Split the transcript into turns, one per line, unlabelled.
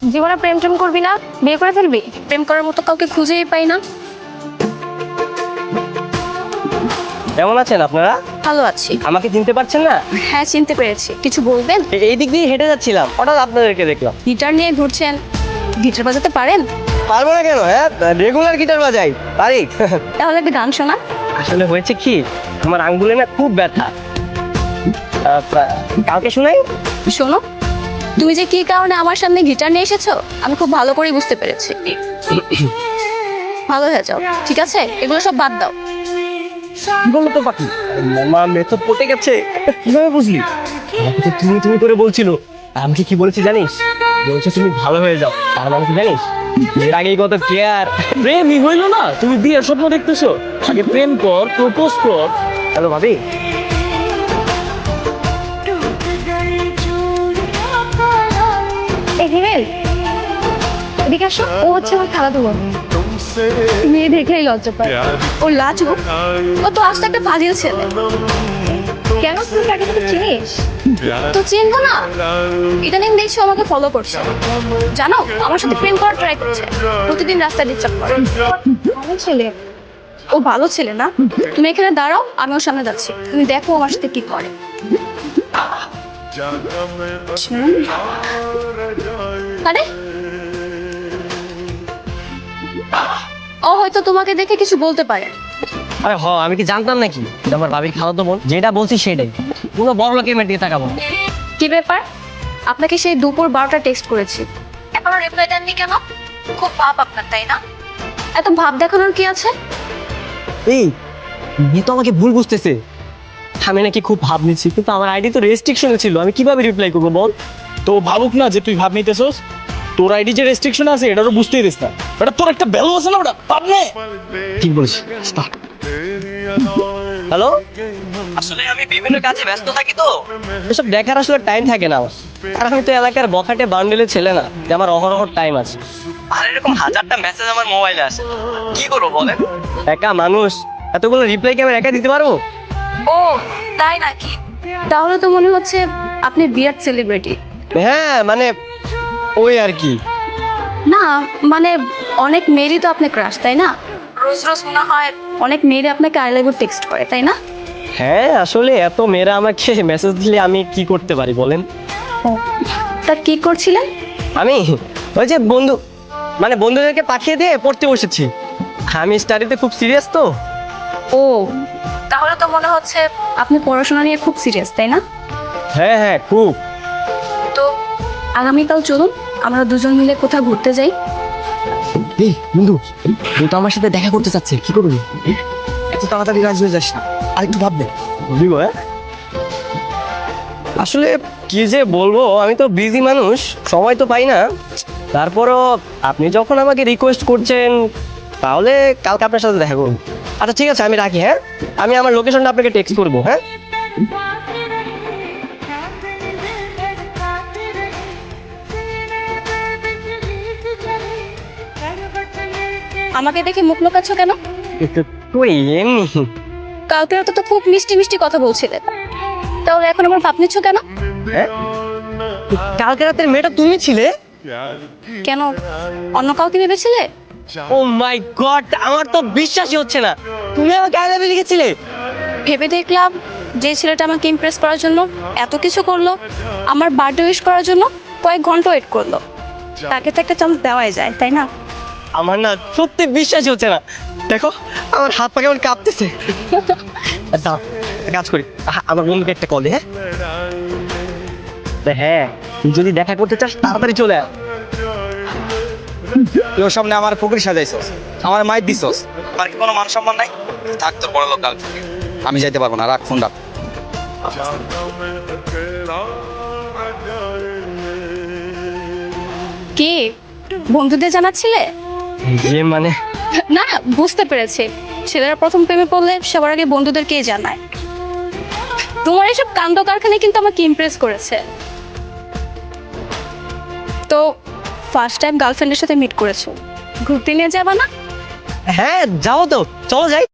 জীবনে প্রেম টেম করবি না, বিয়ে করে ফেলবি? প্রেম করার মতো কাউকে খুঁজেই পাই না।
কেমন আছেন আপনারা?
ভালো আছি।
আমাকে চিনতে পারছেন না?
হ্যাঁ, চিনতে পেরেছি। কিছু বলবেন?
এই দিক দিয়ে হেঁটে যাচ্ছিলাম, হঠাৎ আপনাদেরকে দেখলাম।
গিটার নিয়ে ঘুরছেন, গিটার বাজাতে পারেন?
পারবো না কেন? হ্যাঁ, রেগুলার গিটার বাজাই, পারি।
তাহলে একটা গান শোনা।
আসলে হয়েছে কি, আমার আঙ্গুলে না খুব ব্যথা। কালকে শুনাই।
শোনো, তুমি যে কি কারণে আমার সামনে গিটার নিয়ে এসেছো আমি খুব ভালো করেই বুঝতে পেরেছি। ভালো হয়ে যাও, ঠিক আছে? এগুলো সব বাদ দাও।
বলো তো পাখি, মামা মেথড পটে গেছে। কিভাবে বুঝলি? আমাকে তো তুমি তুমি করে বলছিল। আমাকে কি বলেছি জানিস? বলছে তুমি ভালো হয়ে যাও। তার মানে কি জানিস? এর আগেই কত কেয়ার।
প্রেমই হইলো না, তুমি বিয়ের স্বপ্ন দেখতেছো? আগে প্রেম কর, প্রপোজ কর।
হ্যালো ভাবি।
এই হিমেল, এদিকে আসো। ও হচ্ছে আমার খেলাধুলো। মেয়ে দেখলেই লজ্জা পায়। ও লাজু, ও তো আসতে একটা ফাজিল ছেলে। কেন, তুই তাকে তো চিনিস? তো চিনবো না? ইদানিং দেখছি ও আমাকে ফলো করছে। জানো, আমার সাথে প্রেম করার ট্রাই করছে। প্রতিদিন রাস্তায় ডিস্টার্ব করে। ভালো ছেলে। ও ভালো ছেলে না? তুমি এখানে দাঁড়াও, আমি ওর সামনে যাচ্ছি। তুমি দেখো আমার সাথে কি করে। আরে, ও হয়তো তোমাকে দেখে কিছু বলতে পারে।
আরে আমি কি জানতাম নাকি এটা আমার ভাবির খালাতো বোন? যেটা বলছি সেটাই। পুরো বড় লোকের মেয়ে দিয়ে তাকাবো।
কি ব্যাপার? আপনাকে সেই দুপুর 12টা টেক্সট করেছি, এখনো রিপ্লাই দেননি কেন? খুব ভাব আপনার, তাই না? এত ভাব দেখানোর কি আছে?
এই মেয়ে তো আমাকে ভুল বুঝতেছে। আমি নাকি খুব ভাব নিচ্ছি, কিন্তু আমার আইডি তো রেস্ট্রিকশনে ছিল। আমি কিভাবে রিপ্লাই করবো বল?
তো ভাবুক না যে তুই ভাব নিতেছস। তোর আইডি যে রেস্ট্রিকশন আছে এটারও বুঝতেই দিস না। এটা তোর একটা ভ্যালু আছে না, ওটা পাবনে।
ঠিক বলিস। হ্যালো, আসলে আমি বিভিন্ন কাজে ব্যস্ত থাকি তো এসব দেখার আসলে টাইম থাকে না আমার। আর আমি তো এলাকার বখাটে বান্ডেলের ছেলে না যে আমার অহরহ টাইম আছে। আর এরকম হাজারটা মেসেজ আমার মোবাইলে আসে, কি করবো বলেন? একা মানুষ, এতগুলো রিপ্লাই কি আমি একা দিতে পারবো?
ও তাই নাকি? তাহলে তো মনে হচ্ছে আপনি বিরাট সেলিব্রিটি।
হ্যাঁ মানে ওই আর কি।
না মানে, অনেক মেয়েরই তো আপনি ক্রাশ, তাই না? রোজ রোজ মনে হয় অনেক মেয়েরই আপনাকে আই লাভ ইউ টেক্সট করে, তাই না?
হ্যাঁ আসলে এত মেয়েরা আমাকে মেসেজ দিলে আমি কি করতে পারি বলেন?
তা কি করছিলেন?
আমি ওই যে বন্ধুদেরকে পাঠিয়ে দিয়ে পড়তে বসেছি। আমি স্টাডিতে খুব সিরিয়াস তো।
ও তাহলে তো মনে হচ্ছে আপনি পড়াশোনা নিয়ে খুব সিরিয়াস, তাই না?
হ্যাঁ হ্যাঁ খুব।
তো আগামীকাল চলুন আমরা দুজন মিলে কোথাও ঘুরতে যাই।
এই বন্ধু, তুই তো আমার সাথে দেখা করতে চাচ্ছে, কি করবি? এত তাড়াতাড়ি রাজি হয়ে যাস না, আর একটু ভাববে বুঝলি গো। আসলে কি যে বলবো, আমি তো বিজি মানুষ, সময় তো পাই না। তারপরও আপনি যখন আমাকে রিকোয়েস্ট করছেন তাহলে কালকে আপনার সাথে দেখা করবো। আচ্ছা ঠিক আছে, আমি রাখি। হ্যাঁ, আমি আমার লোকেশনটা আপনাকে টেক্সট করবো। হ্যাঁ,
আমাকে দেখে মুখ লুকাচ্ছ কেন?
তুই এমনি।
কালকে রাতে তো খুব মিষ্টি মিষ্টি কথা বলছিলে, তাহলে এখন আমার ভাব নিচ্ছ কেন?
হ্যাঁ? কালকে রাতের মেয়েটা তুমি ছিলে?
কেন, অন্য কাউকে ভেবেছিলে?
ও মাই গড, আমার তো বিশ্বাসই হচ্ছে না। তুমি আমাকে আই লাভ ইউ লিখেছিলে?
ভেবে দেখলাম যে ছেলেটা আমাকে ইমপ্রেস করার জন্য এত কিছু করলো, আমার বার্থডে উইশ করার জন্য কয়েক ঘন্টা ওয়েট করলো, তাকে তো একটা চান্স দেওয়াই যায়, তাই না?
আমার না সত্যি বিশ্বাসই হচ্ছে না। দেখো আমার হাত পা কেমন কাঁপতেছে। দাঁড়াও, একটা কাজ করি, আমার বন্ধুকে একটা কল দে। হ্যাঁ হ্যাঁ, তুই যদি দেখা করতে চাস তাড়াতাড়ি চলে আয়।
তুই ওর সামনে আমার পুকুরি সাজাইছস, আমার মাইর দিছস, আর কি কোনো মান সম্মান নাই? থাক তোর বড় লোক গার্লফ্রেন্ড, আমি যাইতে পারবো না, রাখ ফোন রাখ।
কি বন্ধুদের জানাচ্ছিলে?
যে মানে
না বুঝতে পেরেছি, ছেলেরা প্রথম প্রেমে পড়লে সবার আগে বন্ধুদেরকেই জানায়। তোমার এসব কাণ্ড কারখানা কিন্তু আমাকে ইমপ্রেস করেছে। তো ফার্স্ট টাইম গার্লফ্রেন্ডের সাথে মিট করেছো, ঘুরতে নিয়ে যাবা না?
হ্যাঁ যাও তো, চলো যাই।